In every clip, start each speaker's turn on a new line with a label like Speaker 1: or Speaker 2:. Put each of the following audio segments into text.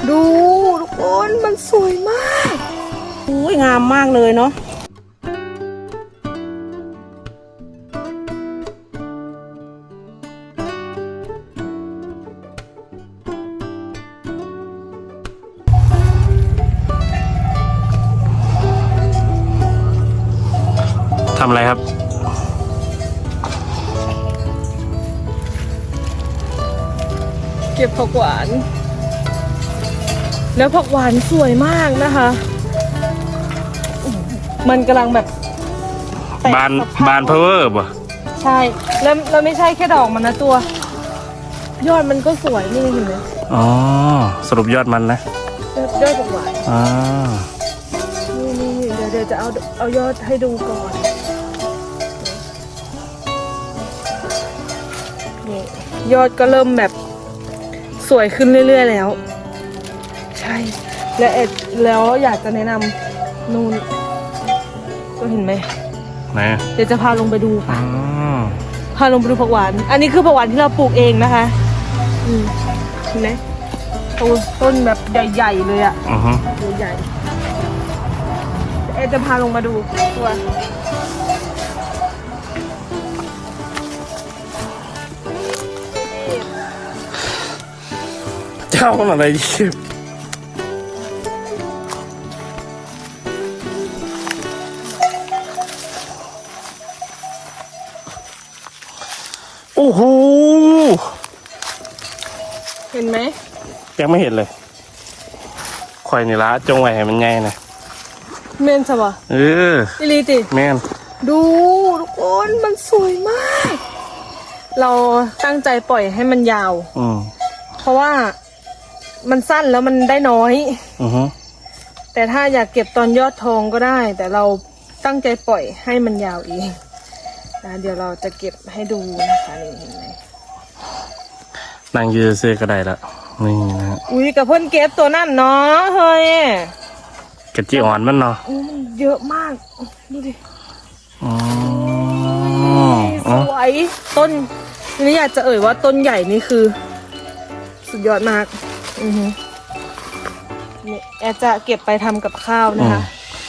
Speaker 1: ดูทุกคนมันสวยมากอุ้ยงามมากเลยเนาะ
Speaker 2: ทำอะไรครับ
Speaker 1: เก็บผักหวานแล้วผักหวานสวยมากนะคะมันกำลังแบบ
Speaker 2: บานเพอร์ป่ะ
Speaker 1: ใช่แล้วไม่ใช่แค่ดอกมันนะตัวยอดมันก็สวยนี่เห็นไหม
Speaker 2: อ๋อสรุปยอดมันนะ
Speaker 1: ยอดผักหวาน
Speaker 2: อ๋อ
Speaker 1: นี่เดี๋ยวจะเอายอดให้ดูก่อนนี่ยอดก็เริ่มแบบสวยขึ้นเรื่อยๆแล้วใช่แล้วอยากจะแนะนำนู่นก็เห็นไหม
Speaker 2: ไหน
Speaker 1: เดี๋ยวจะพาลงไปดูค่ะพาลงไปดูผักหวานอันนี้คือผักหวานที่เราปลูกเองนะคะเห็นไหมต้นแบบใหญ่ๆเลยอ่ะใหญ่จะพาลงมาดูตัว
Speaker 2: เจ้าอะไรดิโอ้โห
Speaker 1: เห็นไหม
Speaker 2: ยังไม่เห็นเลยข่อยนี่ละจงไว้ให้มันใหญ่นะ
Speaker 1: เมนใช่ปะอิลีติ
Speaker 2: เมน
Speaker 1: ดูทุกคนมันสวยมากเราตั้งใจปล่อยให้มันยาวเพราะว่ามันสั้นแล้วมันได้น้อยแต่ถ้าอยากเก็บตอนยอดทองก็ได้แต่เราตั้งใจปล่อยให้มันยาวเองนะเดี๋ยวเราจะเก็บให้ดูนะคะนี่เห็นไหม
Speaker 2: นางยืนเสื้อก็ได้ละนี่นะ
Speaker 1: อุ้ยกับเพื่อนเก็บตัวนั่นเนาะเฮ้ย
Speaker 2: กระจีอ่อนมันเนาะ
Speaker 1: เยอะมากดูดิสวยต้นนี่อยากจะว่าต้นใหญ่นี่คือสุดยอดมากนี่แอดจะเก็บไปทำกับข้าวนะคะ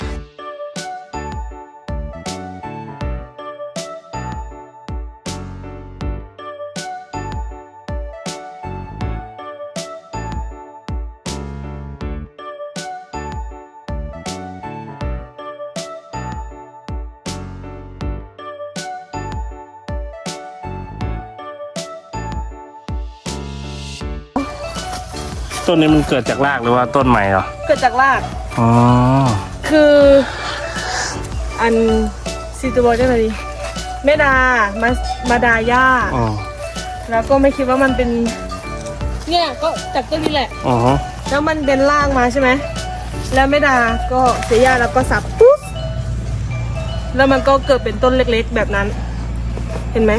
Speaker 2: ต้นนี้มันเกิดจากรากหรือว่าต้นใหม่เหรอ
Speaker 1: เกิดจากราก
Speaker 2: อ๋อ
Speaker 1: คืออันซีตูบอลได้ไหมดิแม่ดามาดาย่าแล้วก็ไม่คิดว่ามันเป็นเนี่ยก็จากต้นนี้แหละแล้วมันเป็นรากมาใช่ไหมแล้วแม่ดาก็เสียหญ้าแล้วก็สับปุ๊บแล้วมันก็เกิดเป็นต้นเล็กๆแบบนั้นเห็นไหม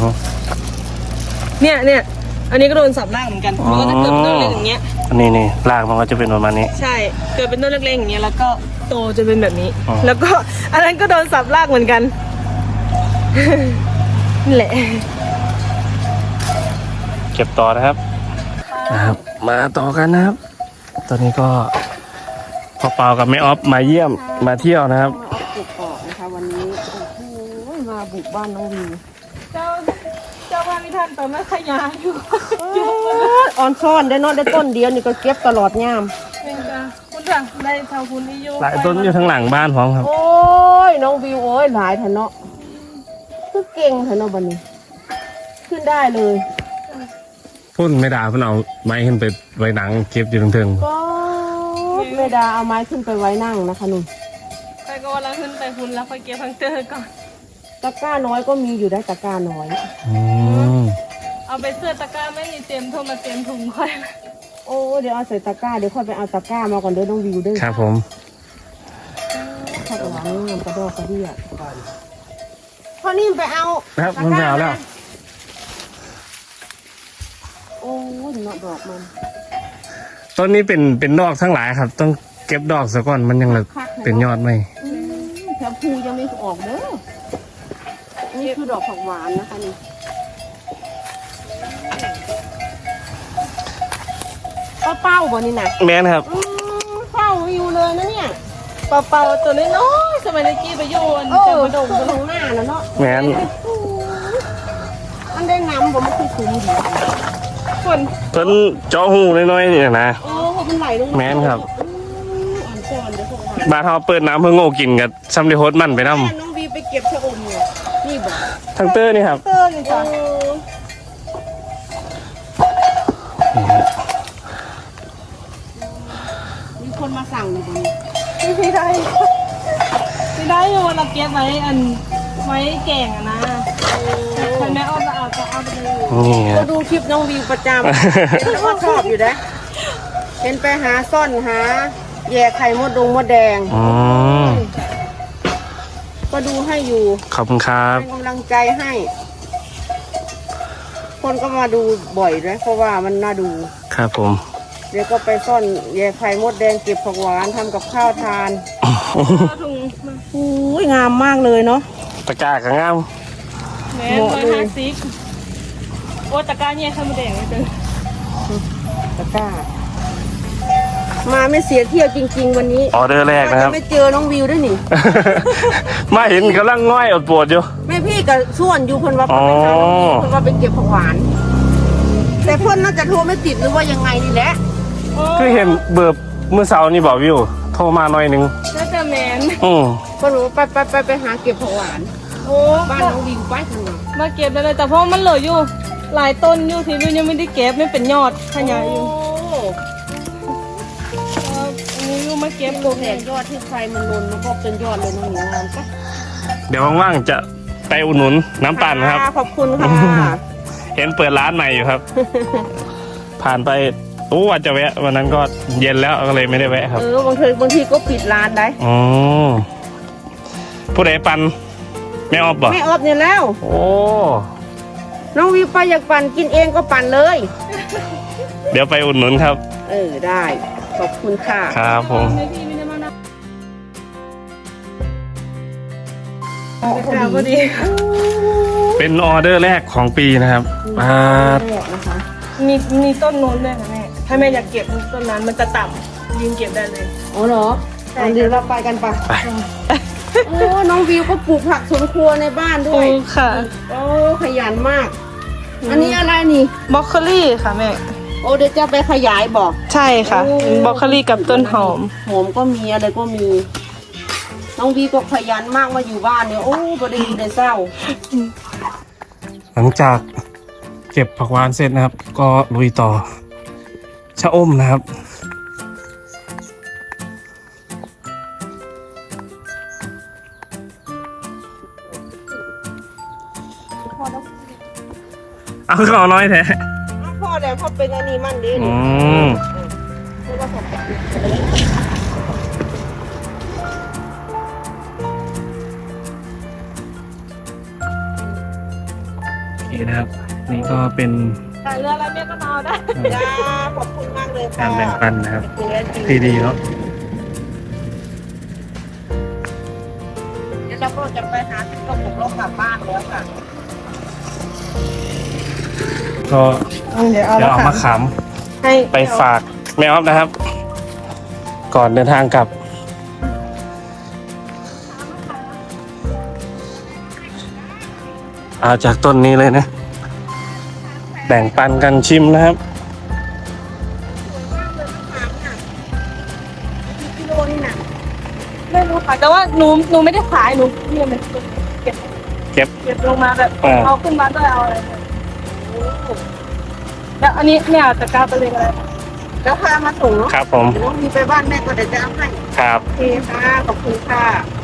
Speaker 1: เนี่ยอันนี้ก็โดนสับรากเหมือนกันมันก็จะเกิดเป็นต้นเล็กอย่างเงี้ย
Speaker 2: นี่รากมันก็จะเป็นประมาณนี้
Speaker 1: ใช่เกิดเป็นต้นเล็กๆอย่างเงี้ยแล้วก็โตจะเป็นแบบนี้แล้วก็อันนั้นก็โดนสับรากเหมือนกันนี่แหละ
Speaker 2: เก็บต่อนะครับมาต่อกันนะครับตอนนี้ก็พ่อเปากับแม่ออฟมาเยี่ยมมาเที่ยวนะครับ
Speaker 1: ปลูกต่อนะคะวันนี้โอ้โหมาบุกบ้านน้องวีเจ้าบ้านนี่ท่านแต่ไม่ขยันอยู่
Speaker 3: ออนซ่อนได้นอนได้ต้นเดียวนี่ก็เก็บตลอดยาม
Speaker 1: เป็นจ้ะคุณจ้ะได้เท่าคุณนิยม
Speaker 2: หลายต้นอยู่ทั้งหลังบ้านพร้อมครับ
Speaker 3: โอ้ยน้องวิวโอ้ยหลายแถนเนาะคือเก่งแถนเนาะบันนี้ขึ้นได้เลย
Speaker 2: พุ่นไม่ด่าพุ่นเอาไม้ขึ้นไปไว้หนังเก็บอยู่ตรงเทิง
Speaker 3: ก็ไม่ด่าเอาไม้ขึ้นไปไว้นั่งนะคะนุ่น
Speaker 1: ไปก็วันละขึ้นไปคุณแล้วค่อยเก็บพังเตอร์ก่อน
Speaker 3: ตะกร้าน้อยก็มีอยู่ได้ตะกร้าน้อย
Speaker 1: เอาไปเสื้อตะกร้าไม่มีเต็มโทรมาเต็มถุงค่อย
Speaker 3: โอ้เดี๋ยวเอาใส่ตะกร้าเดี๋ยวค่อยไปเอาตะกร้ามาก่อนเด้อน้องวิวเด้อ
Speaker 2: ครับผม
Speaker 3: ข้าวหวานนี่กระดอกกระเดี่ยพอนี่ไปเอา
Speaker 2: ครับมันไปเอาแล้ว
Speaker 3: โอ้ยเนาะดอกมัน
Speaker 2: ต้นนี้เป็นดอกทั้งหลายครับต้องเก็บดอกซะก่อนมันยังเหลือเป็นยอดไหม
Speaker 3: แถวภูยังไม่ออกเด้อนี่คือดอกผักหวานนะคะนี่เป้าบ่นี่นะ
Speaker 2: แม่นครับ
Speaker 3: เป้าอยู่เลยนะเนี่ย
Speaker 1: เป่าๆตัวน้อยๆสมัยตะกี้ไปโยน
Speaker 3: เอ
Speaker 1: จะ
Speaker 3: อ
Speaker 1: มาดม
Speaker 3: ตรงหน้านะเนาะ
Speaker 2: แม่น
Speaker 3: มันได้น้ำบ่มันคือคุ้มดี
Speaker 1: ฝน
Speaker 2: เพิ่นเจาะหูน้อยๆนี่นะ
Speaker 3: โอ้มันไหลลงา
Speaker 2: แม่นครับ
Speaker 3: อ่อนซ้อนเดี๋ยวพวกมัน
Speaker 2: บ้านเฮาเปิดน้ำเพิ่งโง่กินกับซัมเดโฮสมันไปนำ
Speaker 3: น้องวีไปเก็บชะอมเนี่ยนี่บอก
Speaker 2: ทางเตอร์นี่ครับ
Speaker 1: เตอร์นี่จ้ะ
Speaker 3: มีคนมาสั่งอยู่ตรงนี้
Speaker 1: ไม่ได้อยู่วันละเก็บไว้ไว้แกงอะนะคนแม่อ้อมจะเอาไปเลย
Speaker 2: นี่ค
Speaker 3: ก็
Speaker 2: รับ
Speaker 3: ดูคลิปน้องวีประจำเห็นว่าชอบอยู่นะเห็นไปหาซ่อนหาแย่ไข่มดแดง
Speaker 2: อืม
Speaker 3: ก็ดูให้อยู่
Speaker 2: ขอบคุณครับ
Speaker 3: เป็นกำลังใจให้ คนก็มาดูบ่อยเลยเพราะว่ามันน่าดู
Speaker 2: ครับผม
Speaker 3: เดี๋ยวก็ไปซ่อนแย่ไข่มดแดงเก็บผักหวานทำกับข้าวทาน
Speaker 1: เอาถุงมา
Speaker 3: อุ้ยงามมากเลยเนาะ
Speaker 2: ตะกร้าก็งาม
Speaker 1: แม่150โอ้ตะกร้าเนี่ยข้าวมันแดงเลยจ้ะ
Speaker 3: ตะกร้า มาไม่เสียเที่ยวจริง ๆ วันนี้
Speaker 2: ออเดอร์แรกนะค
Speaker 3: จะ
Speaker 2: รับ
Speaker 3: ไม่เจอน้องวิวด้วยนี่
Speaker 2: มาเห็นกำลังง่อยอดปวดอยู่
Speaker 3: แม่พี่กับส่วนอยู่เพิ่นว่า
Speaker 2: อ๋
Speaker 3: เพิ่
Speaker 2: อ
Speaker 3: นไปหาน้องวิวเพิ่นว่าไปเก็บผักหวาน แต่เพิ่นน่าจะโทรไม่ติดหรือว่ายังไงนี่แหละ
Speaker 2: คือเห็นเบิร์บเมื่อเช้านี่บอกวิว โทรมาหน่อยหนึง
Speaker 1: น่าจะแมน
Speaker 2: อืม
Speaker 3: เพิ่นบอกว่าไปหาเก็บผักหวาน
Speaker 1: โอ้
Speaker 3: บ้านน้องวิวไปทางไหน
Speaker 1: มาเก็บได้เลยแต่เพราะมันเหลืออยู่ หลายต้นอยู่ที่วิวยังไม่ได้เก็บไม่เป็นยอดขยายอยู่ อันนี้วิวมาเก็บ
Speaker 3: โลแผงยอดที่ไฟมันลนมันก็เป็นยอดเลยน้องหนูงามปะ
Speaker 2: เดี๋ยวว่างๆจะไปอุดหนุนน้ำปั่นครับ
Speaker 3: ขอบคุณค่ะ
Speaker 2: เห็นเปิดร้านใหม่อยู่ครับ ผ่านไปว่าจะแวะ วันนั้นก็เย็นแล้วก็เลยไม่ได้แวะครับ
Speaker 3: บางทีก็ปิดร้านได้
Speaker 2: อ๋อผู้ใดปั่นไม่ออบบ่
Speaker 3: ไม่ออบเนี่ยแล้ว
Speaker 2: โอ้
Speaker 3: น้องวิวไปอยากปั่นกินเองก็ปั่นเลย
Speaker 2: เดี๋ยวไปอุดหนุนครับ
Speaker 3: ได้ ขอบคุณค่ะ
Speaker 2: ครับผม
Speaker 1: ไม่พี่ไม่ได้มานะพอดี
Speaker 2: เป็นออเดอร์แรกของปีนะครับอ่า
Speaker 3: นะคะ
Speaker 1: มีต้นโน้นด้วยค่ะแม่ถ้าแม่อยากเก็บต้นนั้นมันจะต่ำยืนเก็บได้เลย
Speaker 3: อ๋อเหรอ
Speaker 1: ใช่
Speaker 3: เดี๋ยวเราไปกันปะ
Speaker 2: ไป
Speaker 3: โอ้น้องวิวก็ปลูกผักสวนครัวในบ้านด้
Speaker 1: โอ้
Speaker 3: วย
Speaker 1: ค่ะ
Speaker 3: โอ้ขยันมาก อันนี้อะไรนี่
Speaker 1: บล็อกโคลี่ค่ะแม่
Speaker 3: โอ้เดี๋ยวจะไปขยายบอก
Speaker 1: ใช่ค่ะ
Speaker 3: โอ้
Speaker 1: บล็อกโคลี่กับต้นหอม
Speaker 3: หอมก็มีอะไรก็มี น้องวีก็ขยันมากมาอยู่บ้านเนี่ยโอ้ประเดี๋ยวได้เศร้า
Speaker 2: หลังจากเก็บผักหวานเสร็จนะครับ ก็ลุยต่อชะอมนะครับ เอาเขาน้อยแท้
Speaker 3: พ่อแต่พ่อเป็นอันนี้มันดี
Speaker 2: อื
Speaker 3: นี่
Speaker 2: ม
Speaker 3: เพราะว่าผม
Speaker 2: นี่นะครับ นี่ก็เป็น
Speaker 1: แต่เรืออะไรแม่ก็นอนได้
Speaker 3: จ้าขอบคุณมากเลย
Speaker 2: กา
Speaker 3: ค่ะ
Speaker 2: รแบ่งปันนะครับ
Speaker 3: เป็นเรื่องจริง
Speaker 2: ที่ดีเนาะ
Speaker 3: เดี๋ยวเราก็จะไปหาที่กระปุกแล้วกลับบ้านแล้วค่ะ
Speaker 2: ก็
Speaker 1: เดี๋ยว
Speaker 2: เดี๋ยวเอามาข
Speaker 1: ให้
Speaker 2: ำไปฝากแม่ออฟนะครับ ก่อนเดินทางกลับ เอาจากต้นนี้เลยนะ แบ่งปันกันชิมนะครับ
Speaker 3: กิโลนี่น่ะ
Speaker 1: ไม่รู้ค่ะแต่ว่าหนูไม่ได้ขายหนูเนี่ยมันเก็บ
Speaker 2: เก็บ
Speaker 1: เก็บลงมาแบบ
Speaker 2: อ่า
Speaker 1: เอาขึ้นมาด้วยเอาอะไรแล้วอันนี้เนี่ยตะกร้าไปเลยอะไร
Speaker 3: แล้วพามาส่งเนาะ
Speaker 2: ครับผม
Speaker 3: เดี๋ยวน้องวีไปบ้านแม่ก็เดี๋ยวจะเอาให้
Speaker 2: ครับ
Speaker 3: โอเคค่ะ ขอบคุณค่ะ